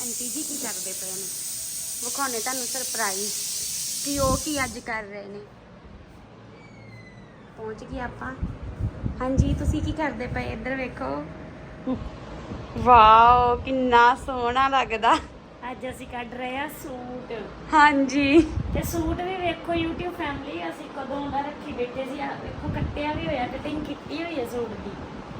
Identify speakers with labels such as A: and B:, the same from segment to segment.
A: Aunty ਜੀ ਕੀ ਕਰਦੇ ਪਏ ਨੇ, ਵਿਖਾਉਣੇ ਤੁਹਾਨੂੰ ਸਰਪ੍ਰਾਈਜ਼ ਕਿ ਉਹ ਕੀ ਅੱਜ ਕਰ ਰਹੇ ਨੇ। ਪਹੁੰਚ ਗਏ ਆਪਾਂ। ਹਾਂਜੀ ਤੁਸੀਂ ਕੀ ਕਰਦੇ ਪਏ, ਇੱਧਰ ਵੇਖੋ। ਵਾਓ ਕਿੰਨਾ ਸੋਹਣਾ ਲੱਗਦਾ।
B: ਅੱਜ ਅਸੀਂ ਕੱਢ ਰਹੇ ਆ ਸੂਟ।
A: ਹਾਂਜੀ
B: ਤੇ ਸੂਟ ਵੀ ਵੇਖੋ YouTube ਫੈਮਿਲੀ ਅਸੀਂ ਕਦੋਂ ਦਾ ਰੱਖੀ ਬੈਠੇ ਸੀ। ਆ ਵੇਖੋ ਕੱਟਿਆ ਵੀ ਹੋਇਆ, ਕਟਿੰਗ ਕੀਤੀ ਹੋਈ ਹੈ ਸੂਟ ਦੀ।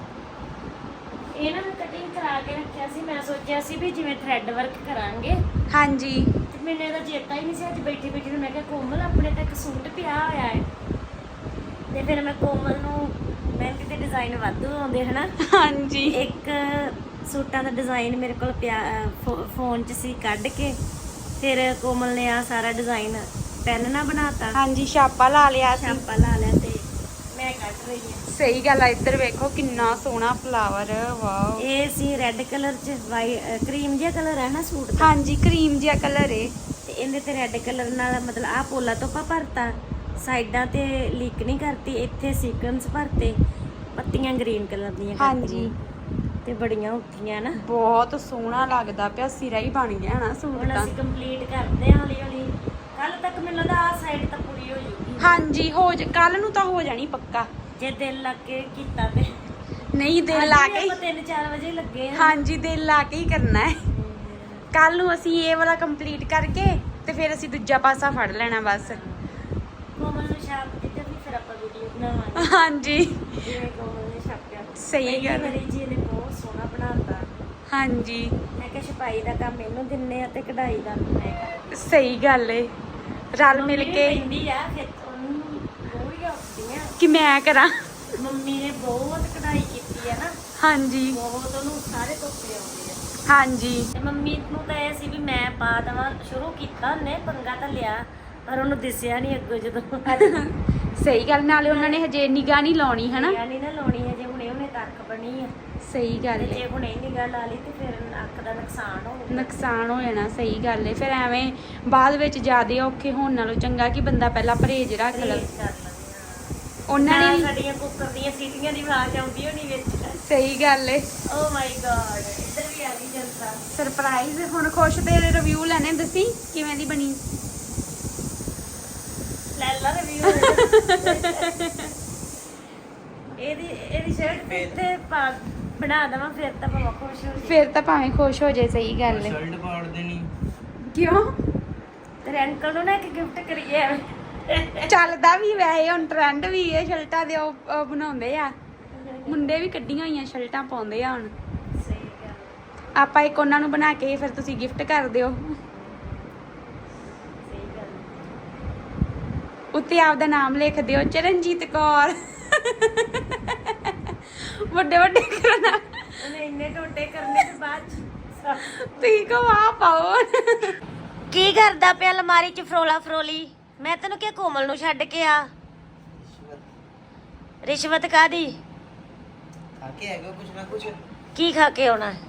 B: ਇਹਨਾਂ ਨੂੰ ਕਟਿੰਗ ਕਰਾ ਕੇ ਰੱਖਿਆ ਸੀ। ਮੈਂ ਸੋਚਿਆ ਸੀ ਵੀ ਜਿਵੇਂ ਥ੍ਰੈਡ ਵਰਕ ਕਰਾਂਗੇ।
A: ਹਾਂਜੀ
B: ਤੇ ਮੈਨੂੰ ਇਹਦਾ ਚੇਤਾ ਹੀ ਨਹੀਂ ਸੀ। ਅੱਜ ਬੈਠੀ ਬੈਠੀ ਨੂੰ ਮੈਂ ਕਿਹਾ ਕੋਮਲ ਆਪਣੇ ਤਾਂ ਇੱਕ ਸੂਟ ਪਿਆ ਹੋਇਆ ਹੈ। ਤੇ ਫਿਰ ਮੈਂ ਕੋਮਲ ਨੂੰ ਮਹਿੰਦੀ ਦੇ ਡਿਜ਼ਾਈਨ ਵਾਧੂ ਆਉਂਦੇ ਹਨਾ।
A: ਹਾਂਜੀ
B: ਇੱਕ ਸੂਟਾਂ ਦਾ ਡਿਜ਼ਾਈਨ ਮੇਰੇ ਕੋਲ ਪਿਆ ਫੋਨ 'ਚ ਸੀ, ਕੱਢ ਕੇ ਫਿਰ ਕੋਮਲ ਨੇ ਆ ਸਾਰਾ ਡਿਜ਼ਾਈਨ ਪੈਨ ਨਾਲ ਬਣਾਤਾ।
A: ਹਾਂਜੀ ਛਾਪਾ ਲਾ ਲਿਆ ਸੀ।
B: ਛਾਪਾ ਲਾ ਲਿਆ ਤੇ ਮੈਂ ਕੱਢ ਰਹੀ ਹਾਂ।
A: ਸਹੀ ਗੱਲ ਆ। ਇੱਧਰ ਵੇਖੋ ਕਿੰਨਾ ਸੋਹਣਾ ਫਲਾਵਰ। ਵਾਓ
B: ਇਹ ਸੀ ਰੈੱਡ ਕਲਰ 'ਚ ਕਰੀਮ ਜਿਹਾ ਕਲਰ ਹੈ ਨਾ ਸੂਟ ਦਾ।
A: ਹਾਂਜੀ ਕਰੀਮ ਜਿਹਾ ਕਲਰ ਏ।
B: ਤੇ ਇਹਦੇ ਤੇ ਰੈੱਡ ਕਲਰ ਨਾਲ ਮਤਲਬ ਆਹ ਪੋਲਾ ਤੋਪਾ ਭਰਤਾ, ਸਾਈਡਾਂ ਤੇ ਲੀਕ ਨਹੀਂ ਕਰਤੀ, ਇੱਥੇ ਸੀਕੁਐਂਸ ਭਰਤੇ, ਪੱਤੀਆਂ ਗ੍ਰੀਨ ਕਲਰ ਦੀਆਂ
A: ਹਾਂਜੀ
B: ਤੇ ਬੜੀਆਂ ਉੱਠੀਆਂ ਨਾ।
A: ਬਹੁਤ ਸੋਹਣਾ ਲੱਗਦਾ ਪਿਆ, ਸਿਰਾ ਹੀ ਬਣ ਗਿਆ ਨਾ ਸੂਟ
B: ਹੁਣ
A: ਤਾਂ।
B: ਅਸੀਂ ਕੰਪਲੀਟ ਕਰਦੇ ਹਾਂ ਹੌਲੀ ਹੌਲੀ। ਕੱਲ ਤੱਕ ਮੈਨੂੰ ਲੱਗਦਾ ਆਹ ਸਾਈਡ ਤਾਂ ਪੂਰੀ ਹੋ ਜੂਗੀ।
A: ਹਾਂਜੀ ਕੱਲ ਨੂੰ ਤਾਂ ਹੋ ਜਾਣੀ ਪੱਕਾ,
B: ਜੇ ਦਿਲ ਲੱਗ ਕੇ ਕੀਤਾ ਤੇ।
A: ਨਹੀਂ ਦਿਲ ਲਾ ਕੇ।
B: ਆਪਾਂ 3-4 ਵਜੇ ਲੱਗੇ ਆ।
A: ਹਾਂਜੀ ਦਿਲ ਲਾ ਕੇ ਹੀ ਕਰਨਾ ਹੈ। ਕੱਲ ਨੂੰ ਅਸੀਂ ਇਹ ਵਾਲਾ ਕੰਪਲੀਟ ਕਰਕੇ ਤੇ ਫਿਰ ਅਸੀਂ ਦੂਜਾ ਪਾਸਾ ਫੜ ਲੈਣਾ ਬਸ।
B: ਕੋਮਲ ਨੂੰ ਛਾਪ ਦਿੱਤੇ ਵੀ ਫਿਰ ਆਪਾਂ ਵੀਡੀਓ ਬਣਾਵਾਂਗੇ।
A: ਹਾਂਜੀ
B: ਜਿਵੇਂ ਕੋਮਲ ਨੇ ਛਾਪਿਆ।
A: ਸਹੀ ਗੱਲ।
B: ਮੇਰੀ ਜੀ ਨੇ ਬਹੁਤ ਸੋਹਣਾ ਬਣਾਤਾ।
A: ਹਾਂਜੀ
B: ਮੈਂ ਕਿਹਾ ਛਪਾਈ ਦਾ ਕੰਮ ਇਹਨੂੰ ਦਿੰਨੇ ਆ ਤੇ ਕਢਾਈ ਦਾ ਮੈਂ ਕਰਦੀ।
A: ਸਹੀ ਗੱਲ ਏ, ਰਲ ਮਿਲ ਕੇ।
B: ਪੈਂਦੀ ਆ ਫਿਰ ਉਹਨੂੰ ਬਹੁਤ ਔਖੀ ਆ
A: ਕਿ ਮੈਂ ਕਰਾਂ।
B: ਮੰਮੀ ਨੇ ਬਹੁਤ ਕਢਾਈ ਕੀਤੀ ਆ ਨਾ।
A: ਹਾਂਜੀ
B: ਬਹੁਤ ਉਹਨੂੰ ਸਾਰੇ ਧੋਤੇ ਆਉਂਦੇ ਆ।
A: ਹਾਂਜੀ
B: ਤੇ ਮੰਮੀ ਨੂੰ ਤਾਂ ਇਹ ਸੀ ਵੀ ਮੈਂ ਪਾ ਦੇਵਾਂ। ਸ਼ੁਰੂ ਕੀਤਾ ਉਹਨੇ, ਪੰਗਾ ਤਾਂ ਲਿਆ ਪਰ ਉਹਨੂੰ ਦਿਸਿਆ ਨਹੀਂ ਅੱਗੋਂ ਜਦੋਂ।
A: ਸਹੀ ਗੱਲ। ਨਾਲੇ ਉਹਨਾਂ ਨੇ ਹਜੇ ਨਿਗਾਹ ਨਹੀਂ ਲਾਉਣੀ ਹਨਾ।
B: ਨਹੀਂ ਨਾ ਲਾਉਣੀ ਹੈ, ਜੇ ਹੁਣੇ ਉਹਨੇ ਤੱਕ ਬਣੀ ਆ।
A: ਸਹੀ ਗੱਲ
B: ਤੇ
A: ਏ,
B: ਜੇ ਹੁਣੇ ਨਿਗਾਹ ਲਾ ਲਈ ਤੇ ਫਿਰ ਅੱਖ ਦਾ ਨੁਕਸਾਨ ਹੋਊਗਾ।
A: ਨੁਕਸਾਨ ਹੋ ਜਾਣਾ। ਸਹੀ ਗੱਲ ਏ, ਫਿਰ ਐਵੇਂ ਬਾਅਦ ਵਿੱਚ ਜ਼ਿਆਦਾ ਔਖੇ ਹੋਣ ਨਾਲੋਂ ਚੰਗਾ ਕਿ ਬੰਦਾ ਪਹਿਲਾਂ ਪਰਹੇਜ਼ ਰੱਖ ਲਵੇ।
B: ਪਰਹੇਜ਼ ਕਰ ਲੈਂਦੇ
A: ਉਹਨਾਂ ਨੇ ਵੀ
B: ਸਾਡੀਆਂ ਕੁੱਕਰ ਦੀਆਂ ਸੀਟੀਆਂ ਦੀ ਆਵਾਜ਼ ਆਉਂਦੀ ਹੋਣੀ ਵਿੱਚ।
A: ਸਹੀ ਗੱਲ ਏ।
B: ਓ ਮਾਈ ਗॉड ਇੱਧਰ ਵੀ ਆ ਗਈ ਜਨਤਾ।
A: ਸਰਪ੍ਰਾਈਜ਼। ਹੁਣ ਖੁਸ਼ ਤੇਰੇ ਰਿਵਿਊ ਲੈਣੇ, ਦੱਸੀ ਕਿਵੇਂ ਦੀ ਬਣੀ।
B: ਲੈ ਲਾ ਰਿਵਿਊ। ਇਹਦੀ ਸ਼ਰਟ ਤੇ ਪਾ ਬਣਾ ਦੇਵਾਂ ਫਿਰ ਤਾਂ ਭਾਵੇਂ ਖੁਸ਼ ਹੋ ਜਾਏ।
A: ਫਿਰ ਤਾਂ ਭਾਵੇਂ ਖੁਸ਼ ਹੋ ਜਾਏ। ਸਹੀ ਗੱਲ ਏ।
C: ਸ਼ਰਟ ਪਾੜ ਦੇਣੀ।
A: ਕਿਉਂ
B: ਤੇਰੇ ਅੰਕਲ ਨੂੰ ਨਾ ਇੱਕ ਗਿਫਟ ਕਰੀਏ।
A: ਚੱਲਦਾ ਵੀ ਵੈਸੇ ਹੁਣ ਟ੍ਰੈਂਡ ਵੀ ਇਹ ਸ਼ਰਟਾਂ ਦੇ ਉਹ ਬਣਾਉਂਦੇ ਆ। ਮੁੰਡੇ ਵੀ ਕੱਢੀਆਂ ਹੋਈਆਂ ਸ਼ਰਟਾਂ ਪਾਉਂਦੇ ਆ ਹੁਣ।
B: ਸਹੀ ਗੱਲ।
A: ਆਪਾਂ ਇੱਕ ਉਹਨਾਂ ਨੂੰ ਬਣਾ ਕੇ ਫਿਰ ਤੁਸੀਂ ਗਿਫਟ ਕਰ ਦਿਓ।
B: ਸਹੀ ਗੱਲ।
A: ਉੱਤੇ ਆਪਦਾ ਨਾਮ ਲਿਖ ਦਿਓ, ਚਰਨਜੀਤ ਕੌਰ। ਵੱਡੇ ਵੱਡੇ ਕਰਨਾ।
B: ਉਹਨੇ ਇੰਨੇ ਟੋਟੇ ਕਰਨੇ ਤੇ ਬਾਅਦ ਚ
A: ਤੁਸੀਂ ਕਹੋ ਆ ਪਾਓ।
B: ਕੀ ਕਰਦਾ ਪਿਆ ਅਲਮਾਰੀ ਚ ਫਰੋਲਾ ਫਰੋਲੀ। ਮੈਂ ਤੈਨੂੰ ਕਿਹਾ ਕੋਮਲ ਨੂੰ ਛੱਡ ਕੇ ਆ। ਰਿਸ਼ਵਤ ਕਾਦੀ?
C: ਖਾ ਕੇ ਆਏਗਾ ਕੁਛ ਨਾ ਕੁਛ।
B: ਕੀ ਖਾ ਕੇ ਆਉਣਾ ਹੈ?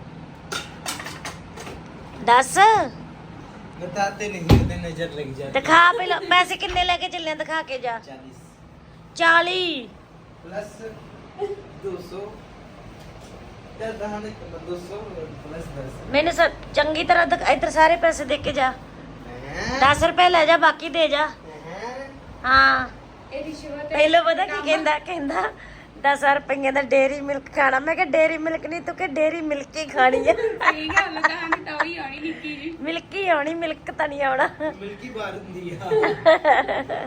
B: ਦੱਸ।
C: बताते नहीं होते, नजर लग जाती।
B: ਦਿਖਾ ਪਹਿਲਾਂ ਪੈਸੇ ਕਿੰਨੇ ਲੈ ਕੇ ਚੱਲੇ ਦਿਖਾ ਕੇ ਜਾ। 40
C: प्लस 200 200 प्लस 10।
B: ਮੈਨੂੰ ਚੰਗੀ ਤਰ੍ਹਾਂ ਇੱਧਰ ਸਾਰੇ ਪੈਸੇ ਦੇ ਕੇ ਜਾ। 10 ਰੁਪਏ ਲੈ ਜਾ, ਬਾਕੀ ਦੇ ਜਾ। ਹਾਂ
A: ਇਹ ਰਿਸ਼ਵਤ
B: ਪਹਿਲਾਂ ਪਤਾ ਕੀ ਕਹਿੰਦਾ 10 ਰੁਪਏ ਦਾ ਡੇਰੀ ਮਿਲਕ ਖਾਣਾ। ਮੈਂ ਕਿਹਾ ਡੇਰੀ ਮਿਲਕ ਨਹੀਂ, ਤੂੰ ਕਿ ਡੇਰੀ ਮਿਲਕ ਹੀ ਖਾਣੀ ਆ।
A: ਸਹੀ ਗੱਲ। ਕਹਾਣੀ ਤਾਂ ਉਹੀ ਆਣੀ ਨਿੱਕੀ ਜੀ।
B: ਮਿਲਕ ਹੀ ਆਉਣੀ, ਮਿਲਕ ਤਾਂ ਨਹੀਂ ਆਉਣਾ।
C: मिल्की बार दिया।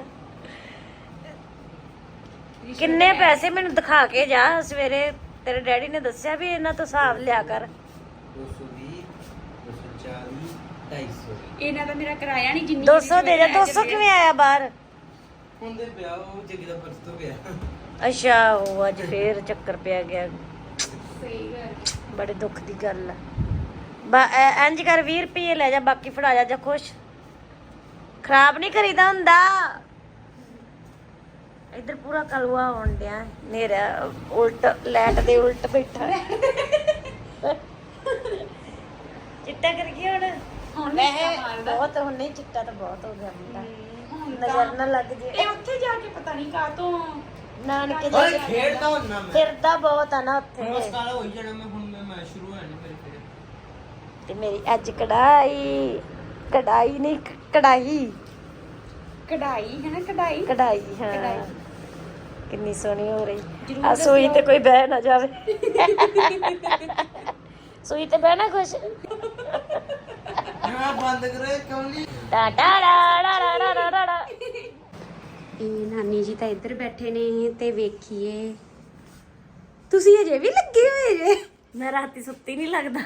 B: ਕਿੰਨੇ ਪੈਸੇ ਮੈਨੂੰ ਦਿਖਾ ਕੇ ਜਾ। ਸਵੇਰੇ ਤੇਰੇ ਡੈਡੀ ਨੇ ਦੱਸਿਆ ਵੀ ਇਹਨਾਂ ਤੋਂ ਹਿਸਾਬ ਲਿਆ ਕਰ।
C: 220 240 250।
A: ਇਹਨਾਂ ਦਾ ਮੇਰਾ ਕਿਰਾਇਆ ਨਹੀਂ ਜਿੰਨੀ
B: 200 ਦੇ ਜਾ। 200 ਕਿਵੇਂ ਆਇਆ ਬਾਹਰ?
C: ਹੁੰਦੇ ਪਿਆ ਉਹ ਜਗੀ ਦਾ ਪਰਸ ਤੋਂ ਪਿਆ।
B: ਅੱਛਾ ਉਹ ਅੱਜ ਫੇਰ ਚੱਕਰ ਪਿਆ ਗਿਆ।
A: ਸਹੀ ਗੱਲ।
B: ਬੜੇ ਦੁੱਖ ਦੀ ਗੱਲ ਆ। ਇੰਜ ਕਰ 20 ਰੁਪਏ ਲੈ ਜਾ, ਬਾਕੀ ਫੜਾ ਜਾ ਖੁਸ਼। ਖਰਾਬ ਨਹੀਂ ਕਰੀਦਾ ਹੁੰਦਾ। ਇੱਧਰ ਪੂਰਾ ਕਲਵਾ ਹੋਣ ਡਿਆ ਨੇਰਾ। ਉਲਟ ਲੈਟ ਦੇ ਉਲਟ ਬੈਠਾ। ਚਿੱਟਾ ਕਰ ਗਿਆ ਹੁਣ ਵੈਸੇ ਬਹੁਤ। ਹੁਣ ਨਹੀਂ ਚਿੱਟਾ ਤਾਂ ਬਹੁਤ ਹੋ ਗਿਆ ਮੁੰਡਾ। ਨਜ਼ਰ ਨਾ ਲੱਗ ਜੇ।
A: ਇਹ ਉੱਥੇ ਜਾ ਕੇ ਪਤਾ ਨਹੀਂ ਕਾਹਤੋਂ
B: ਨਾਨਕੇ
C: ਓਏ
B: ਜਾ
C: ਖੇਡਦਾ ਹੁੰਨਾ ਮੈਂ।
B: ਫਿਰਦਾ ਬਹੁਤ ਆ ਨਾ ਉੱਥੇ।
C: ਬਸ ਕਾਲਾ ਹੋਈ ਜਾਣਾ ਮੈਂ ਹੁਣ। ਮੈਂ ਸ਼ੁਰੂ ਹੋਇਆ ਨਹੀਂ ਮੇਰੇ ਫਿਰ।
B: ਤੇ ਮੇਰੀ ਅੱਜ ਕਢਾਈ ਨਹੀਂ ਕਢਾਈ
A: ਕਢਾਈ ਹੈ ਨਾ ਕਢਾਈ
B: ਕਢਾਈ ਹਾਂ
A: ਕਢਾਈ।
B: ਕਿੰਨੀ ਸੋਹਣੀ ਹੋ ਰਹੀ
A: ਜ਼ਰੂਰ
B: ਆ ਸੂਈ ਤੇ ਕੋਈ ਬਹਿ ਨਾ ਜਾਵੇ ਸੂਈ ਤੇ ਬਹਿ ਨਾ ਖੁਸ਼
C: ना बंद करे कमली
B: ਟਾ ਟਾ ੜਾ ੜਾ ੜਾ ੜਾ ੜਾ।
A: ਇਹ ਨਾਨੀ ਜੀ ਤਾਂ ਇੱਧਰ ਬੈਠੇ ਨੇ ਤੇ ਵੇਖੀਏ ਤੁਸੀਂ ਅਜੇ ਵੀ ਲੱਗੇ ਹੋਏ ਜੇ
B: ਮੈਂ ਰਾਤੀ ਸੁੱਤੀ ਨਹੀਂ ਲੱਗਦਾ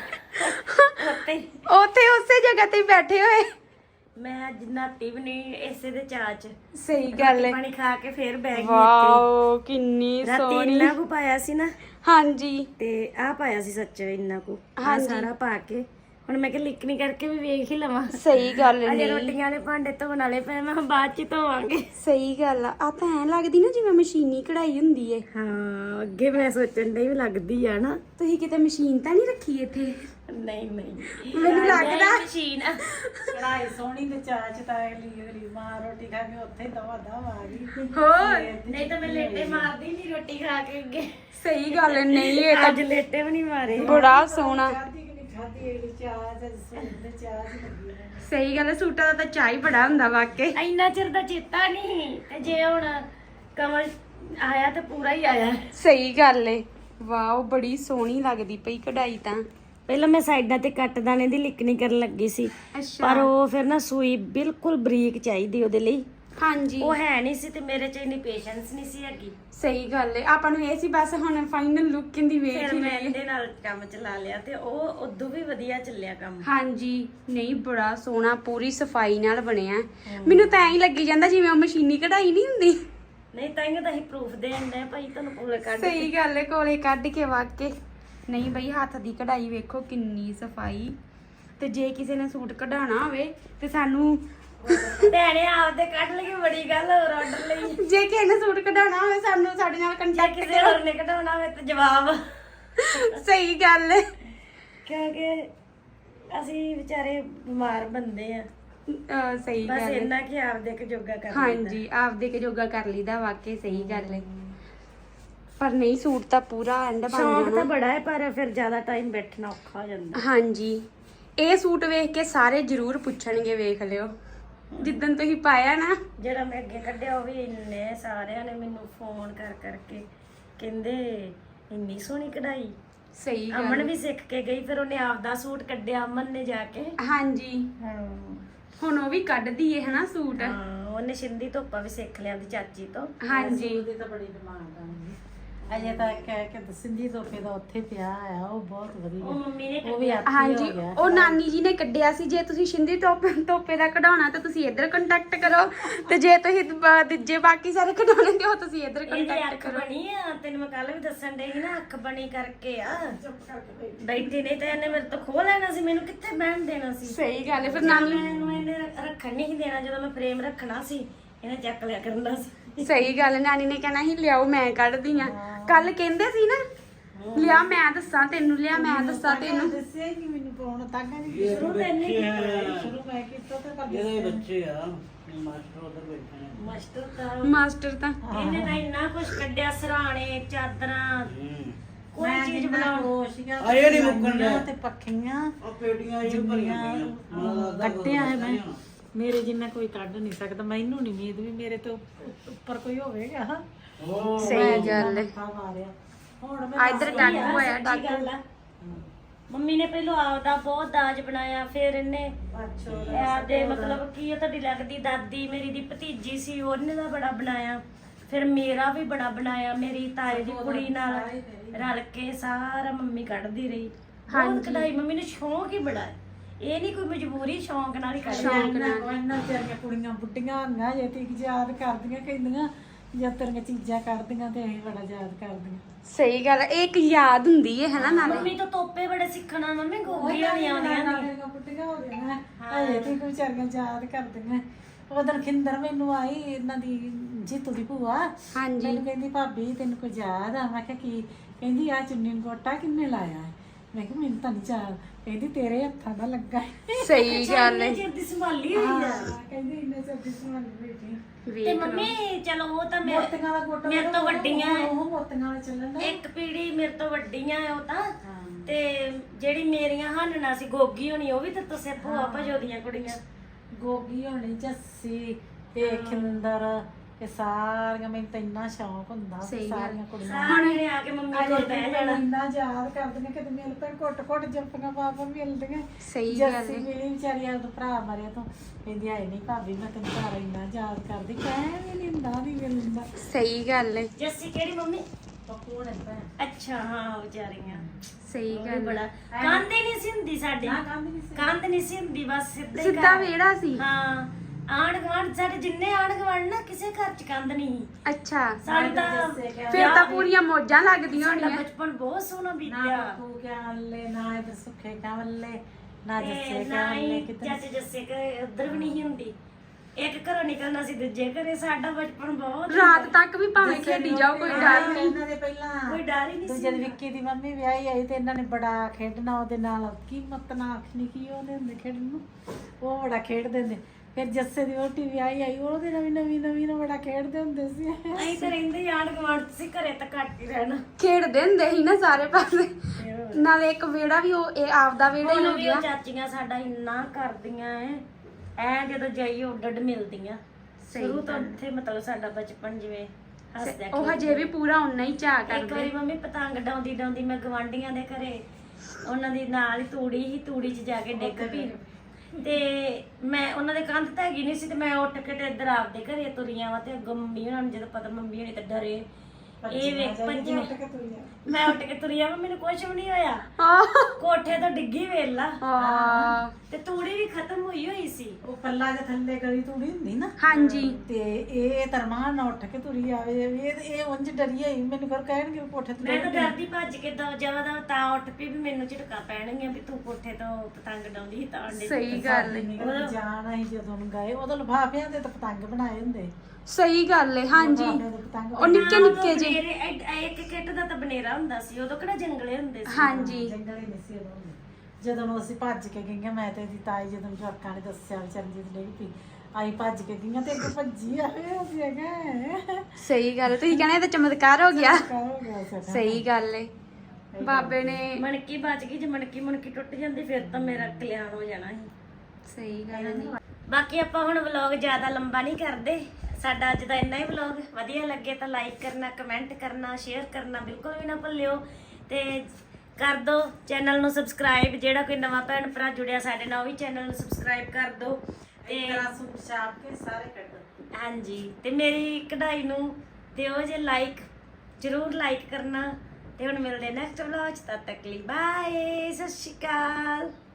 B: ਉੱਤੇ
A: ਉੱਥੇ ਉਸੇ ਜਗ੍ਹਾ ਤੇ ਹੀ ਬੈਠੇ ਹੋਏ।
B: ਮੈਂ ਅੱਜ ਨਾਤੀ ਵੀ ਨਹੀਂ ਇਸੇ ਦੇ ਚਾਅ ਚ
A: ਸਹੀ ਗੱਲ ਹੈ।
B: ਪਾਣੀ ਖਾ ਕੇ ਫੇਰ ਬਹਿ ਗਈ ਇੱਥੇ
A: ਵਾਓ ਕਿੰਨੀ
B: ਰਾਤੀ
A: ਸੋਹਣੀ।
B: ਇੰਨਾ ਕੁ ਪਾਇਆ ਸੀ ਨਾ
A: ਹਾਂਜੀ
B: ਤੇ ਆਹ ਪਾਇਆ ਸੀ ਸੱਚ ਇੰਨਾ ਕੁ ਆਹ
A: ਹਾਂਜੀ।
B: ਸਾਰਾ ਪਾ ਕੇ ਹੁਣ ਮੈਂ ਕਿਹਾ ਲਿਕਣੀ ਕਰਕੇ ਵੀ ਵੇਖ ਹੀ ਲਵਾਂ
A: ਸਹੀ ਗੱਲ
B: ਅਜੇ
A: ਨਹੀਂ
B: ਰੋਟੀਆਂ ਵਾਲੇ ਭਾਂਡੇ ਧੋਣ ਵਾਲੇ ਪਏ ਮੈਂ ਕਿਹਾ ਬਾਅਦ ਚ ਧੋਵਾਂਗੇ
A: ਸਹੀ ਗੱਲ ਆ ਤਾਂ ਐ ਲੱਗਦੀ ਨਾ ਜਿਵੇਂ ਮਸ਼ੀਨੀ ਕਢਾਈ ਹੁੰਦੀ ਏ।
B: ਹਾਂ ਅੱਗੇ ਮੈਂ ਸੋਚਣ ਡਈ ਵੀ ਲੱਗਦੀ ਆ ਨਾ
A: ਤੁਸੀਂ ਕਿਤੇ ਮਸ਼ੀਨ ਤਾਂ ਨਹੀਂ ਰੱਖੀ ਇੱਥੇ?
B: ਨਹੀਂ
A: ਮੈਨੂੰ ਲੱਗਦਾ
B: ਮਸ਼ੀਨ
D: ਕੜਾਈ ਸੋਹਣੀ ਤੇ ਚਾਚ ਤਾਂ ਅਗਲੀ ਮਾਂ ਰੋਟੀ ਖਾ ਕੇ ਉੱਥੇ ਦਵਾ ਦਵਾ ਆ ਗਈ
A: ਹੋਰ
B: ਨਹੀਂ ਤਾਂ ਮੈਂ ਲੇਟੇ ਮਾਰਦੀ ਨਹੀਂ ਰੋਟੀ ਖਾ ਕੇ ਅੱਗੇ
A: ਸਹੀ ਗੱਲ ਹੈ, ਨਹੀਂ ਇਹ ਤਾਂ
B: ਅੱਜ ਲੇਟੇ ਵੀ ਨਹੀਂ ਮਾਰੇ
A: ਬੜਾ ਸੋਹਣਾ।
D: ਖਾਦੀ ਕਿ ਨਹੀਂ ਖਾਦੀ ਅਗਲੀ ਚਾਚ ਸੋਹਣੀ ਤੇ ਚਾਚ ਲੱਗੀ ਰਹਿਣੀ।
A: ਸਹੀ ਗੱਲ ਹੈ, ਸੂਟਾਂ ਦਾ ਤਾਂ ਚਾਹ ਹੀ ਬੜਾ ਹੁੰਦਾ ਵਾਕਈ।
B: ਇੰਨਾ ਚਿਰ ਦਾ ਚੇਤਾ ਨਹੀਂ ਤੇ ਜੇ ਹੁਣ ਕਮਲ ਆਇਆ ਤੇ ਪੂਰਾ ਹੀ ਆਇਆ
A: ਸਹੀ ਗੱਲ ਏ। ਵਾਓ ਬੜੀ ਸੋਹਣੀ ਲੱਗਦੀ ਪਈ ਕਢਾਈ ਤਾਂ।
B: ਪਹਿਲਾਂ ਮੈਂ ਸਾਈਡਾਂ ਤੇ ਕੱਟ ਦਾਣੇ ਦੀ ਲਿਕਣੀ ਕਰਨ ਲੱਗੀ ਸੀ
A: ਅੱਛਾ
B: ਪਰ ਉਹ ਫਿਰ ਨਾ ਸੂਈ ਬਿਲਕੁਲ ਬਰੀਕ ਚਾਹੀਦੀ ਉਹਦੇ ਲਈ
A: ਹਾਂਜੀ
B: ਉਹ ਹੈ ਨਹੀਂ ਸੀ ਤੇ ਮੇਰੇ ਚ ਇੰਨੀ ਪੇਸ਼ੈਂਸ ਨਹੀਂ ਸੀ ਹੈਗੀ
A: ਸਹੀ ਗੱਲ ਏ। ਆਪਾਂ ਨੂੰ ਇਹ ਸੀ ਬਸ ਹੁਣ ਫਾਈਨਲ ਲੁੱਕ ਦੀ ਵੇਖ
B: ਫਿਰ
A: ਹੀ
B: ਮੈਂ
A: ਲਈਏ।
B: ਇਹਦੇ ਨਾਲ ਕੰਮ ਚਲਾ ਲਿਆ ਤੇ ਉਹ ਉਦੋਂ ਵੀ ਵਧੀਆ ਚੱਲਿਆ ਕੰਮ
A: ਹਾਂਜੀ ਨਹੀਂ ਬੜਾ ਸੋਹਣਾ ਪੂਰੀ ਸਫਾਈ ਨਾਲ ਬਣਿਆ। ਮੈਨੂੰ ਤਾਂ ਐਂ ਹੀ ਲੱਗੀ ਜਾਂਦਾ ਜਿਵੇਂ ਉਹ ਮਸ਼ੀਨੀ ਕਢਾਈ ਨਹੀਂ ਹੁੰਦੀ।
B: ਨਹੀਂ ਤਾਂ ਇਹ ਤਾਂ ਅਸੀਂ ਪ੍ਰੂਫ ਦੇਣ ਦੇ ਭਾਈ ਤੁਹਾਨੂੰ ਪੂਰੇ ਕੱਢ ਕੇ।
A: ਸਹੀ ਗੱਲ ਏ, ਕੋਲੇ ਕੱਢ ਕੇ ਵਾਕੇ ਨਹੀਂ ਬਈ ਹੱਥ ਦੀ ਕਢਾਈ ਵੇਖੋ ਕਿੰਨੀ ਸਫਾਈ। ਤੇ ਜੇ ਕਿਸੇ ਨੇ ਸੂਟ ਕਢਾਉਣਾ ਹੋਵੇ ਤੇ ਸਾਨੂੰ
B: ਭੈਣੇ ਆਪਦੇ ਕੱਢ ਲਈ ਬੜੀ ਗੱਲ ਹੋਰ ਆਰਡਰ ਲਈ
A: ਜੇ ਕਿਸੇ ਨੇ ਸੂਟ ਕਢਾਉਣਾ ਹੋਵੇ ਸਾਨੂੰ ਸਾਡੇ ਨਾਲ
B: ਜੇ
A: ਕੰਟੈਕਟ
B: ਕਿਸੇ ਹੋਰ ਨੇ ਕਢਾਉਣਾ ਹੋਵੇ ਤੇ ਜਵਾਬ
A: ਸਹੀ ਗੱਲ ਏ।
B: ਕਿਉਂਕਿ ਅਸੀਂ ਵਿਚਾਰੇ ਬਿਮਾਰ ਬੰਦੇ ਆ
A: ਸਹੀ
B: ਬਸ
A: ਗੱਲ ਏ।
B: ਇੰਨਾ ਕਿ ਆਪਦੇ ਕੇ ਜੋਗਾ ਕਰ ਲਈਦਾ।
A: ਹਾਂਜੀ ਆਪਦੇ ਕੇ ਜੋਗਾ ਕਰ ਲਈਦਾ ਵਾਕਈ ਸਹੀ ਗੱਲ ਏ। ਪਰ ਨਹੀਂ ਸੂਟ ਤਾਂ ਪੂਰਾ ਐਂਡ ਬਣ
B: ਸ਼ੌਂਕ ਤਾਂ
A: ਜਾਣਾ।
B: ਬੜਾ ਹੈ ਪਰ ਫਿਰ ਜ਼ਿਆਦਾ ਟਾਈਮ ਬੈਠਣਾ ਔਖਾ ਹੋ ਜਾਂਦਾ
A: ਹਾਂਜੀ ਇਹ ਸੂਟ ਵੇਖ ਕੇ ਸਾਰੇ ਜ਼ਰੂਰ ਪੁੱਛਣਗੇ, ਵੇਖ ਲਿਓ ਜਿੱਦਣ ਤੁਸੀਂ ਪਾਇਆ ਨਾ।
B: ਜਿਹੜਾ ਮੈਂ ਅੱਗੇ ਕੱਢਿਆ ਉਹ ਵੀ ਇੰਨੇ ਸਾਰਿਆਂ ਨੇ ਮੈਨੂੰ ਫੋਨ ਕਰ ਕਰਕੇ ਕਹਿੰਦੇ ਇੰਨੀ ਸੋਹਣੀ ਕਢਾਈ।
A: ਸਹੀ
B: ਅਮਨ
A: ਗੱਲ
B: ਵੀ ਸਿੱਖ ਕੇ ਗਈ ਫਿਰ ਉਹਨੇ ਆਪਦਾ ਸੂਟ ਕੱਢਿਆ ਅਮਨ ਨੇ ਜਾ ਕੇ
A: ਹਾਂਜੀ ਹੁਣ ਉਹ ਵੀ ਕੱਢਦੀ ਏ ਹਨਾ ਸੂਟ।
B: ਹਾਂ ਉਹਨੇ ਸਿੰਧੀ ਧੋਪਾ ਵੀ ਸਿੱਖ ਲਿਆ ਉਹਦੀ ਚਾਚੀ ਤੋਂ
A: ਹਾਂਜੀ
D: ਉਹਦੀ ਤਾਂ ਬੜੀ ਡਿਮਾਂਡ ਆਉਂਦੀ ਅਜੇ ਤਾਂ ਕਹਿ ਕੇ ਦਸਿੰਦੀ ਤੋਪੇ ਦਾ ਉੱਥੇ ਪਿਆ ਆ ਉਹ ਬਹੁਤ
B: ਉਹ
D: ਵਧੀਆ
B: ਮੰਮੀ ਨੇ
D: ਉਹ ਵੀ ਆਤੀ
A: ਹਾਂਜੀ
D: ਹੋ ਗਿਆ
A: ਉਹ ਨਾਨੀ ਜੀ ਨੇ ਕੱਢਿਆ ਸੀ। ਜੇ ਤੁਸੀਂ ਸ਼ਿੰਦੀ ਤੋਪੇ ਦਾ ਕਢਾਉਣਾ ਤਾਂ ਤੁਸੀਂ ਇੱਧਰ ਕੰਟੈਕਟ ਕਰੋ ਤੇ ਜੇ ਤੁਸੀਂ ਜੇ ਬਾਕੀ ਸਾਰੇ ਕਢਾਉਣੇ ਤੇ ਉਹ ਤੁਸੀਂ ਇੱਧਰ
B: ਇਹਦੀ
A: ਕੰਟੈਕਟ
B: ਅੱਖ
A: ਕਰੋ।
B: ਬਣੀ ਆ ਤੈਨੂੰ ਮੈਂ ਕੱਲ ਵੀ ਦੱਸਣ ਡਈ ਸੀ ਨਾ ਅੱਖ ਬਣੀ ਕਰਕੇ ਆ ਬੈਠੀ ਨਹੀਂ ਤਾਂ ਇਹਨੇ ਮੇਰੇ ਤੋਂ ਖੋਹ ਲੈਣਾ ਸੀ ਮੈਨੂੰ ਕਿੱਥੇ ਬਹਿਣ ਦੇਣਾ ਸੀ
A: ਸਹੀ ਗੱਲ ਹੈ। ਫਿਰ ਨਾਨੀ
B: ਮੈਨੂੰ ਇਹਨੇ ਰੱਖਣ ਨਹੀਂ ਸੀ ਦੇਣਾ ਜਦੋਂ ਮੈਂ ਫਰੇਮ ਰੱਖਣਾ ਸੀ ਇਹਨੇ ਚੱਕ ਲਿਆ ਕਰਨਾ ਸੀ
A: ਸਹੀ ਗੱਲ ਹੈ, ਨਾਨੀ ਨੇ ਕਹਿਣਾ ਸੀ ਲਿਆਓ ਮੈਂ ਕੱਢਦੀ ਆ। ਕੱਲ ਕਹਿੰਦੇ ਸੀ ਨਾ ਲਿਆ ਮੈਂ ਦੱਸਾਂ ਤੈਨੂੰ, ਲਿਆ ਮੈਂ ਦੱਸਾਂ ਤੈਨੂੰ।
D: ਦੱਸਿਆ ਹੀ ਨਹੀਂ ਮੈਨੂੰ ਪਾਉਣ ਤੱਕ ਨਹੀਂ
B: ਸ਼ੁਰੂ ਤਾਂ ਇਹਨੇ
D: ਸ਼ੁਰੂ ਮੈਂ ਕੀਤਾ ਤੇ ਪਰ
C: ਇਹਦੇ ਬੱਚੇ ਆ ਮਾਸਟਰ ਉਧਰ ਬੈਠੇ ਨੇ
B: ਮਾਸਟਰ ਤਾਂ
A: ਮਾਸਟਰ ਤਾਂ
B: ਇਹਨੇ ਤਾਂ ਇੰਨਾ ਕੁਝ ਕੱਢਿਆ ਸਰਾਣੇ ਚਾਦਰਾਂ ਕੋਈ
D: ਮੈਂ
B: ਚੀਜ਼
D: ਜਿੰਨਾ
B: ਬਣਾਉਣ
D: ਰੋਸ਼ੀਆਂ
C: ਆ ਇਹ ਨੀ ਮੁੱਕਣ ਡਿਆ।
D: ਤੇ ਪੱਖੀਆਂ
C: ਉਹ ਪੇਟੀਆਂ ਇਹ ਭਰੀਆਂ ਪਈਆਂ
D: ਕੱਟਿਆ ਹੈ ਮੈਂ ਮੇਰੇ ਜਿੰਨਾ ਕੋਈ ਕੱਢ ਨਹੀਂ ਸਕਦਾ ਮੈਨੂੰ ਨਹੀਂ ਉਮੀਦ ਵੀ ਮੇਰੇ ਤੋਂ ਉੱਪਰ ਕੋਈ ਹੋਵੇਗਾ
A: ਸਹੀ ਗੱਲ ਹੈ।
D: ਮੱਥਾ ਮਾਰਿਆ ਹੁਣ ਮੈਂ
A: ਇੱਧਰ ਡਾਕੂ ਹੋਇਆ
B: ਸੱਚੀ
A: ਡਾਕੂ।
B: ਗੱਲ ਆ। ਮੰਮੀ ਨੇ ਪਹਿਲਾਂ ਆਪਦਾ ਬਹੁਤ ਦਾਜ ਬਣਾਇਆ ਫਿਰ ਇਹਨੇ ਆਪਦੇ ਮਤਲਬ ਕੀ ਉਹ ਤੁਹਾਡੀ ਲੱਗਦੀ ਦਾਦੀ ਮੇਰੀ ਦੀ ਭਤੀਜੀ ਸੀ ਉਹਨੇ ਦਾ ਬੜਾ ਬਣਾਇਆ ਫਿਰ ਮੇਰਾ ਵੀ ਬੜਾ ਬਣਾਇਆ ਮੇਰੀ ਤਾਏ ਦੀ ਕੁੜੀ ਨਾਲ ਰਲ ਕੇ ਸਾਰਾ ਮੰਮੀ ਕੱਢਦੀ ਰਹੀ ਬਹੁਤ ਕਢਾਈ ਮੰਮੀ ਨੂੰ ਸ਼ੌਂਕ ਹੀ ਬੜਾ ਹੈ ਇਹ ਨਹੀਂ ਕੋਈ ਮਜਬੂਰੀ ਸ਼ੌਂਕ ਨਾਲ ਹੀ ਕੱਢ
D: ਇਹਨਾਂ ਵਿਚਾਰੀਆਂ ਕੁੜੀਆਂ ਬੁੱਢੀਆਂ ਹੁੰਦੀਆਂ ਜੇ ਤੀ ਯਾਦ ਕਰਦੀਆਂ ਕਹਿੰਦੀਆਂ ਜਦ ਤੇਰੀਆਂ ਚੀਜ਼ਾਂ ਕੱਢਦੀਆਂ ਤੇ ਅਸੀਂ ਬੜਾ ਯਾਦ ਕਰਦੀਆਂ
A: ਸਹੀ ਗੱਲ ਹੈ, ਇਹ ਇੱਕ ਯਾਦ ਹੁੰਦੀ ਹੈ ਹਨਾ ਨਾਨੀ।
B: ਮੰਮੀ ਤੋਂ ਤੋਪੇ ਬੜੇ ਸਿੱਖਣਾ ਮੰਮੀ ਗੋਗੀਆਂ ਨਹੀਂ ਆਉਂਦੀਆਂ ਨੇ
D: ਬੁੱਢੀਆਂ ਹੋ ਗਈਆਂ ਹਜੇ ਤੀ ਵਿਚਾਰੀਆਂ ਯਾਦ ਕਰਦੀਆਂ ਉਦੋਂ ਖਿੰਦਰ ਮੈਨੂੰ ਆਈ ਇਹਨਾਂ ਦੀ ਜੀਤੂ ਦੀ ਭੂਆ
A: ਹਾਂਜੀ
D: ਮੈਨੂੰ ਕਹਿੰਦੀ ਭਾਬੀ ਤੈਨੂੰ ਕੋਈ ਯਾਦ ਆ ਮੈਂ ਕਿਹਾ ਕੀ ਕਹਿੰਦੀ ਆ ਚੁੰਨੀ ਨੂੰ ਗੋਟਾ ਕਿੰਨੇ ਲਾਇਆ ਹੈ ਮੈਂ ਕਿਹਾ ਮੈਨੂੰ ਤਾਂ ਨਹੀਂ ਯਾਦ ਕਹਿੰਦੀ ਤੇਰੇ ਹੱਥਾਂ ਦਾ ਲੱਗਾ ਹੈ
A: ਸਹੀ ਗੱਲ ਹੈ।
B: ਚਿਰ ਦੀ ਸੰਭਾਲੀ ਹੋਈ ਆ
D: ਕਹਿੰਦੀ ਇੰਨੇ ਸਬਜ਼ੀ ਸੰਭਾਲੀ ਬੈਠੀ
B: ਤੇ ਮੰਮੀ ਚਲੋ ਉਹ ਤਾਂ
D: ਮੋਤੀਆਂ ਦਾ ਗੋਟਾ
B: ਮੇਰੇ ਤੋਂ ਵੱਡੀਆਂ
D: ਉਹ ਮੋਤੀਆਂ ਵਾਲਾ ਚੱਲਣ ਦਾ
B: ਇੱਕ ਪੀੜੀ ਮੇਰੇ ਤੋਂ ਵੱਡੀਆਂ ਉਹ ਤਾਂ ਤੇ ਜਿਹੜੀ ਮੇਰੀਆਂ ਹਾਨਣਾ ਸੀ ਗੋਗੀ ਹੋਣੀ ਉਹ ਵੀ ਤਾਂ ਤੁਸੀਂ ਭੂਆ ਭਜੋ ਦੀਆਂ ਕੁੜੀਆਂ।
D: ਗੋਗੀ ਹੋਣੀ, ਜੱਸੀ ਤੇ ਖਿੰਦਰ, ਇਹ ਸਾਰੀਆਂ ਮੈਨੂੰ ਤਾਂ ਇੰਨਾ ਸ਼ੌਕ ਹੁੰਦਾ ਸੀ,
A: ਸਹੀ ਗੱਲ।
D: ਸਾਰੀਆਂ ਕੁੜੀਆਂ
B: ਸਾਰਿਆਂ ਨੇ ਆ ਕੇ ਮੰਮੀ ਕੋਲ ਬਹਿ ਜਾਣਾ।
D: ਇੰਨਾ ਯਾਦ ਕਰਦੀਆਂ ਕਿਤੇ ਮਿਲ ਪੈਣ, ਘੁੱਟ ਜੰਪੀਆਂ ਪਾਪਾ ਮਿਲਦੀਆਂ।
A: ਸਹੀ ਗੱਲ
D: ਜੱਸੀ
A: ਹੈ।
D: ਮਿਲੀ ਵਿਚਾਰੀ ਆ ਤੋਂ ਭਰਾ ਮਰਿਆ ਤੋਂ ਕਹਿੰਦੀ ਆਏ ਨਹੀਂ ਭਾਬੀ ਮੈਂ ਤੈਨੂੰ ਘਰ ਇੰਨਾ ਯਾਦ ਕਰਦੀ, ਕਹਿ ਵੀ ਨਹੀਂ ਹੁੰਦਾ ਨਹੀਂ ਮਿਲਦਾ।
A: ਸਹੀ ਗੱਲ ਹੈ।
B: ਜੱਸੀ ਕਿਹੜੀ ਮੰਮੀ?
D: ਪੱਪੂ ਨੇ ਭੈਣ
B: ਅੱਛਾ ਹਾਂ ਉਹ ਵਿਚਾਰੀਆਂ
A: ਸਹੀ
B: ਉਹ ਵੀ
A: ਗੱਲ
B: ਬੜਾ
A: ਹੈ।
B: ਕੰਧ ਹੀ ਨਹੀਂ ਸੀ ਹੁੰਦੀ ਸਾਡੀ,
D: ਨਾ ਕੰਧ ਨਹੀਂ ਸੀ।
B: ਕੰਧ ਨਹੀਂ ਸੀ ਹੁੰਦੀ, ਬਸ ਸਿੱਧਾ ਹੀ
A: ਸਿੱਧਾ
B: ਘਰ।
A: ਵਿਹੜਾ ਸੀ।
B: ਹਾਂ ਆਂਢ ਗੁਆਂਢ ਸਾਡੇ ਜਿੰਨੇ ਆਂਢ ਗੁਆਂਢ ਨਾ ਕਿਸੇ ਘਰ ਚ ਕੰਧ ਨਹੀਂ ਸੀ।
A: ਅੱਛਾ
B: ਸਾਨੂੰ ਤਾਂ
A: ਫਿਰ ਤਾਂ ਪੂਰੀਆਂ ਮੌਜਾਂ ਲੱਗਦੀਆਂ
B: ਸਾਡਾ
A: ਹੋਣੀਆਂ।
B: ਬਚਪਨ ਬਹੁਤ ਸੋਹਣਾ
D: ਨਾ
B: ਬੀਤਿਆ
D: ਪੱਪੂ ਕਹਿਲੇ ਨਾ ਇਹ ਸੁੱਖੇ ਕਹਿਲੇ ਨਾ
B: ਤੇ
D: ਜੱਸੇ
B: ਨਾ
D: ਕਹਿਲੇ
B: ਹੀ
D: ਕਿਤੇ
B: ਚਾਚੇ ਜੱਸੇ ਘਰੇ ਉੱਧਰ ਵੀ ਨਹੀਂ ਸੀ ਹੁੰਦੀ। ਇੱਕ ਘਰੋਂ ਨਿਕਲਣਾ ਸੀ ਦੂਜੇ ਘਰੇ। ਸਾਡਾ ਬਚਪਨ ਬਹੁਤ
A: ਰਾਤ ਤੱਕ ਵੀ ਭਾਵੇਂ ਖੇਡੀ ਜਾਓ ਕੋਈ ਡਰ ਨਹੀਂ।
D: ਇਹਨਾਂ ਦੇ ਪਹਿਲਾਂ
B: ਕੋਈ ਡਰ ਹੀ ਨਹੀਂ ਸੀ।
D: ਜਦ ਵਿੱਕੀ ਦੀ ਮੰਮੀ ਵਿਆਹੀ ਆਈ ਤੇ ਇਹਨਾਂ ਨੇ ਬੜਾ ਖੇਡਣਾ ਉਹਦੇ ਨਾਲ, ਕੀਮਤ ਨਾ ਆਖਣੀ ਕੀ ਉਹਦੇ ਹੁੰਦੇ ਖੇਡਣ ਨੂੰ, ਉਹ ਬੜਾ ਖੇਡਦੇ ਹੁੰਦੇ। ਫਿਰ ਜੱਸੇ ਦੀ ਵਹੁਟੀ ਵਿਆਹੀ ਆਈ, ਉਹਦੇ ਨਾਲ ਵੀ ਨਵੀਂ ਨੂੰ ਬੜਾ ਖੇਡਦੇ ਹੁੰਦੇ ਸੀ।
B: ਅਸੀਂ ਤਾਂ ਰਹਿੰਦੇ ਆਂਢ ਗੁਆਂਢ ਸੀ, ਘਰੇ ਤਾਂ ਘੱਟ ਹੀ ਰਹਿਣਾ।
A: ਖੇਡਦੇ ਹੁੰਦੇ ਸੀ ਨਾ ਸਾਰੇ ਪਾਸੇ। ਨਾਲੇ ਇੱਕ ਵਿਹੜਾ ਵੀ ਉਹ ਇਹ ਆਪਦਾ ਵਿਹੜਾ ਹੀ
B: ਹੁਣ
A: ਹੋ
B: ਵੀ
A: ਗਿਆ।
B: ਉਹ ਚਾਚੀਆਂ ਸਾਡਾ ਇੰਨਾ ਕਰਦੀਆਂ ਐ ਜਦੋਂ ਜਾਈਏ ਉੱਡ ਮਿਲਦੀਆਂ। ਸ਼ੁਰੂ ਤੋਂ ਇੱਥੇ ਮਤਲਬ ਸਾਡਾ ਬਚਪਨ ਜਿਵੇਂ ਹੱਸਦਿਆ
A: ਉਹ ਹਜੇ ਵੀ ਪੂਰਾ ਉਨਾ ਹੀ ਚਾਹ
B: ਇੱਕ ਵਾਰੀ
A: ਕਰਦੇ।
B: ਮੰਮੀ ਪਤੰਗ ਡਾਉਂਦੀ ਮੈਂ ਗਵਾਂਢੀਆਂ ਦੇ ਘਰੇ, ਉਹਨਾਂ ਦੀ ਨਾਲ ਹੀ ਤੂੜੀ ਹੀ, ਤੂੜੀ 'ਚ ਜਾ ਕੇ ਡਿੱਗ ਪਈ ਤੇ ਮੈਂ ਉਹਨਾਂ ਦੇ ਕੰਧ ਤਾਂ ਹੈਗੀ ਨਹੀਂ ਸੀ ਤੇ ਮੈਂ ਉੱਠ ਕੇ ਤੇ ਇੱਧਰ ਆਪਦੇ ਘਰੇ ਤੁਰੀਆਂ ਵਾ ਤੇ ਅੱਗੋਂ ਮੰਮੀ ਉਹਨਾਂ ਨੂੰ ਜਦੋਂ ਪਤਾ ਮੰਮੀ ਹੋਣੀ ਤਾਂ ਡਰੇ। ਇਹ ਵੇਖ ਭੱਜੀ ਮੈਂ ਉੱਠ ਕੇ ਤੁਰੀਆਂ ਵਾ, ਮੈਨੂੰ ਕੁਝ ਵੀ ਨਹੀਂ ਹੋਇਆ। ਕੋਠੇ ਤੋਂ ਡਿੱਗੀ ਵੇਲਾ
A: ਹਾਂ
B: ਤੇ ਤੂੜੀ ਵੀ ਖਤਮ ਹੋਈ ਸੀ।
D: ਉਹ ਪੱਲਾ ਦੇ ਥੱਲੇ ਗਲੀ ਤੂੜੀ ਹੁੰਦੀ ਨਾ,
A: ਹਾਂਜੀ
D: ਤੇ ਇਹ ਤਰਮਾਨ ਨਾ ਉੱਠ ਕੇ ਤੁਰੀ ਆਵੇ, ਇਹ ਉਂਝ ਡਰੀ ਹੋਈ। ਮੈਨੂੰ ਫਿਰ ਕਹਿਣਗੇ ਕੋਠੇ ਤੋਂ
B: ਮੈਂ ਤਾਂ ਡਰਦੀ ਭੱਜ ਕੇ ਜਵਾ ਤਾਂ ਉੱਠ ਪਈ ਵੀ ਮੈਨੂੰ ਝਟਕਾ ਪੈਣਗੀਆਂ ਵੀ ਤੂੰ ਕੋਠੇ ਤੋਂ ਪਤੰਗ ਡਾਉਂਦੀ ਸੀ ਤਾਂ ਡੇ।
A: ਸਹੀ ਗੱਲ ਹੈ।
D: ਜਾਣਾ ਹੀ ਜਦੋਂ ਨੂੰ ਗਏ ਉਦੋਂ ਲਿਫਾਫਿਆਂ ਦੇ ਤਾਂ ਪਤੰਗ ਬਣਾਏ ਹੁੰਦੇ।
A: ਸਹੀ ਗੱਲ ਹੈ। ਹਾਂਜੀ
D: ਲਿਫਾਫਿਆਂ ਦੇ ਪਤੰਗ
A: ਉਹ ਨਿੱਕੇ ਨਿੱਕੇ ਜੇ।
B: ਇੱਕ ਕਿੱਟ ਦਾ ਤਾਂ ਬਨੇਰਾ ਹੁੰਦਾ ਸੀ, ਉਦੋਂ ਕਿਹੜਾ ਜੰਗਲੇ ਹੁੰਦੇ ਸੀ।
A: ਹਾਂਜੀ
D: ਜੰਗਲੇ ਨਹੀਂ ਸੀ ਉਦੋਂ ਹੁੰਦੇ। ਜਦੋਂ ਨੂੰ ਅਸੀਂ ਭੱਜ ਕੇ ਗਈਆਂ, ਮੈਂ ਤੇ ਇਹਦੀ ਤਾਈ ਜਦੋਂ ਜਵਾਕਾਂ ਨੇ ਦੱਸਿਆ ਵੀ ਚਰਨਜੀਤ ਡਿੱਗ ਪਈ, ਆਈ ਭੱਜ ਕੇ ਗਈਆਂ ਤੇ ਅੱਗੇ ਭੱਜੀ ਆਵੇ ਅਸੀਂ ਹੈਗਾ
A: ਸਹੀ ਗੱਲ ਹੈ। ਤੁਸੀਂ ਕਹਿੰਦੇ ਇਹ ਤਾਂ ਚਮਤਕਾਰ ਹੋ ਗਿਆ।
D: ਹੋ ਗਿਆ ਸਾਡਾ।
A: ਸਹੀ ਗੱਲ ਹੈ। ਬਾਬੇ ਨੇ
B: ਮਣਕੀ ਬਚ ਗਈ, ਜੇ ਮਣਕੀ ਟੁੱਟ ਜਾਂਦੀ ਫਿਰ ਤਾਂ ਮੇਰਾ ਕਲਿਆਣ ਹੋ ਜਾਣਾ ਸੀ।
A: ਸਹੀ ਗੱਲ ਹੈ।
B: ਬਾਕੀ ਆਪਾਂ ਹੁਣ ਵਲੌਗ ਜ਼ਿਆਦਾ ਲੰਬਾ ਨਹੀਂ ਕਰਦੇ। ਸਾਡਾ ਅੱਜ ਦਾ ਇੰਨਾ ਹੀ ਵਲੌਗ। ਵਧੀਆ ਲੱਗੇ ਤਾਂ ਲਾਈਕ ਕਰਨਾ, ਕਮੈਂਟ ਕਰਨਾ, ਸ਼ੇਅਰ ਕਰਨਾ ਬਿਲਕੁਲ ਵੀ ਨਾ ਭੁੱਲਿਓ ਤੇ ਕਰ ਦਿਓ ਚੈਨਲ ਨੂੰ ਸਬਸਕ੍ਰਾਈਬ। ਜਿਹੜਾ ਕੋਈ ਨਵਾਂ ਭੈਣ ਭਰਾ ਜੁੜਿਆ ਸਾਡੇ ਨਾਲ, ਉਹ ਵੀ ਚੈਨਲ ਨੂੰ ਸਬਸਕ੍ਰਾਈਬ ਕਰ ਦਿਓ ਤੇ
D: ਸੂਟ ਛਾਪ ਕੇ ਸਾਰੇ ਕੱਢੋ।
B: ਹਾਂਜੀ ਤੇ ਮੇਰੀ ਕਢਾਈ ਨੂੰ ਦਿਓ ਜੇ ਲਾਈਕ, ਜ਼ਰੂਰ ਲਾਈਕ ਕਰਨਾ। ਤੇ ਹੁਣ ਮਿਲਦੇ ਨੈਕਸਟ ਵਲੌਗ 'ਚ, ਤਦ ਤੱਕ ਲਈ ਬਾਏ, ਸਤਿ ਸ਼੍ਰੀ ਅਕਾਲ।